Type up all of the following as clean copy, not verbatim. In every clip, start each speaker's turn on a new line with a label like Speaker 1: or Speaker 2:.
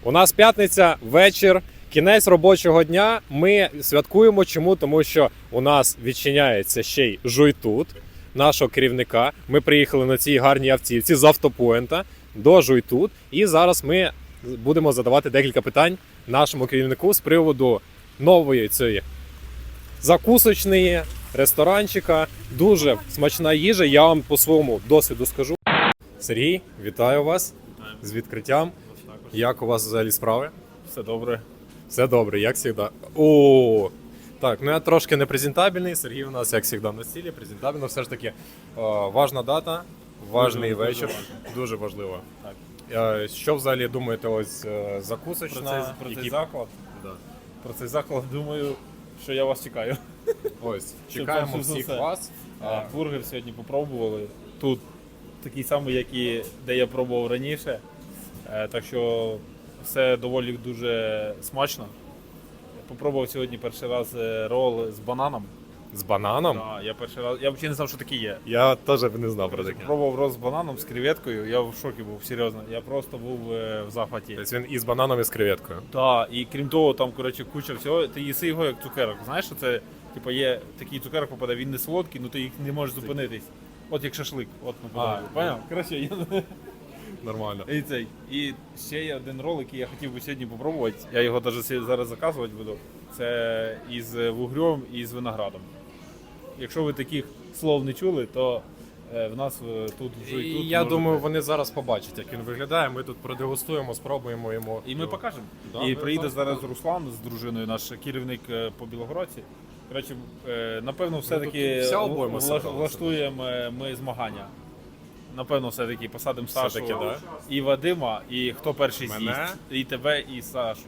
Speaker 1: У нас п'ятниця, вечір, кінець робочого дня. Ми святкуємо чому? Тому що у нас відчиняється ще й Жуйтут, нашого керівника. Ми приїхали на цій гарній автівці з автопоінта до Жуйтут. І зараз ми будемо задавати декілька питань нашому керівнику з приводу нової цієї закусочної ресторанчика. Дуже смачна їжа, я вам по своєму досвіду скажу. Сергій, вітаю вас з відкриттям. Як у вас взагалі справи?
Speaker 2: Все добре.
Speaker 1: Все добре, як завжди. О, так, ну я трошки не презентабельний. Сергій у нас, як завжди, на стілі, презентабельно. Все ж таки, важна дата, важний вечір. Дуже важливо.
Speaker 2: Так.
Speaker 1: Що взагалі думаєте, ось закусочна?
Speaker 2: Про цей
Speaker 1: які-
Speaker 2: заклад.
Speaker 1: Да.
Speaker 2: Про цей заклад думаю, що я вас чекаю.
Speaker 1: Ось, чекаємо
Speaker 2: перше за
Speaker 1: всіх
Speaker 2: все.
Speaker 1: вас.
Speaker 2: Бургер сьогодні попробували. Тут такий самий, як і де я пробував раніше. Так що все доволі дуже смачно. Попробував сьогодні перший раз рол з бананом.
Speaker 1: З бананом?
Speaker 2: Да, я перший раз. Я взагалі не знав, що таке є.
Speaker 1: Я теж не знав про таке.
Speaker 2: Пробував рол з бананом, з креветкою. Я в шокі був, серйозно. Я просто був в захваті.
Speaker 1: Тобто він і з бананом, і з креветкою.
Speaker 2: Так, і крім того, там коротше куча всього. Ти їси його як цукерок. Знаєш, що це типу, є такий цукерок попаде, він не солодкий, ну ти їх не можеш зупинитись. От як шашлик. От наподобие. Поняв? Коротше, я
Speaker 1: Нормально.
Speaker 2: і цей. І ще є один рол, який я хотів би сьогодні попробувати. Я його навіть зараз заказувати буду. Це із вугрем і з виноградом. Якщо ви таких слов не чули, то в нас тут вже
Speaker 1: І
Speaker 2: і тут.
Speaker 1: я
Speaker 2: можете.
Speaker 1: думаю, вони зараз побачать, як він виглядає. Ми тут продегустуємо, спробуємо йому.
Speaker 2: І ми покажемо.
Speaker 1: Да,
Speaker 2: І
Speaker 1: ми
Speaker 2: приїде
Speaker 1: зараз
Speaker 2: зараз Руслан з дружиною, наш керівник по Білогородці. Коротше, напевно, все-таки
Speaker 1: тут вся обойма зібралася.
Speaker 2: влаштуємо ми змагання. Напевно, все-таки посадимо Сашу
Speaker 1: Все-таки, да?
Speaker 2: і Вадима, і хто перший
Speaker 1: Мене?
Speaker 2: з'їсть. І тебе, і Сашу.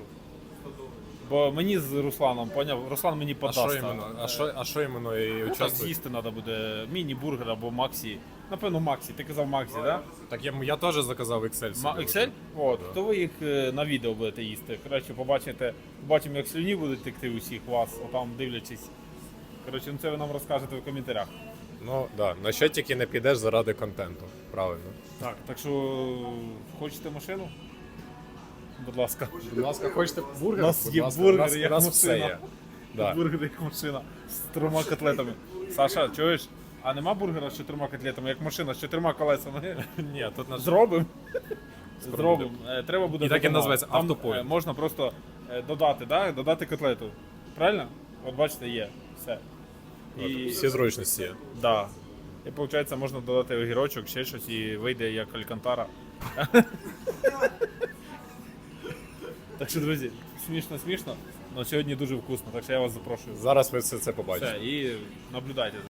Speaker 2: Бо мені з Русланом, поняв? Руслан мені
Speaker 1: А
Speaker 2: подасть.
Speaker 1: що іменно? А що іменно і
Speaker 2: Ну, так
Speaker 1: участвує?
Speaker 2: з'їсти треба буде міні-бургер або Максі. Напевно, Максі. Ти казав Максі, так? Да?
Speaker 1: Так я теж заказав XL собі.
Speaker 2: Excel? От, то ви їх на відео будете їсти. Коротше, побачимо, як слюні будуть текти усіх вас, отам дивлячись. Коротше, ну це ви нам розкажете в коментарях.
Speaker 1: Ну, да. На що тільки не підеш заради контенту. Правильно.
Speaker 2: Так що хочете машину? Будь ласка.
Speaker 1: Будь ласка, хочете бургер?
Speaker 2: У нас
Speaker 1: Будь
Speaker 2: є
Speaker 1: ласка,
Speaker 2: бургер,
Speaker 1: у нас,
Speaker 2: як
Speaker 1: у нас все
Speaker 2: машина.
Speaker 1: є. Да.
Speaker 2: Бургер як машина з 3 котлетами. Саша, чуєш? А нема бургера з 4 котлетами, як машина з 4 колесами?
Speaker 1: Ні, тут наш...
Speaker 2: Зробимо. Зробимо. Треба буде
Speaker 1: І так і
Speaker 2: додати.
Speaker 1: називається
Speaker 2: Там,
Speaker 1: автопоінт.
Speaker 2: можна просто додати, да? Додати котлету. Правильно? От бачите, є. Все. І,
Speaker 1: Всі зручності є.
Speaker 2: да. І виходить, можна додати огірочок, ще щось і вийде як алькантара. Так що, друзі, смішно, але сьогодні дуже вкусно, так що я вас запрошую.
Speaker 1: Зараз ви все це побачите.
Speaker 2: Все, і наблюдайте.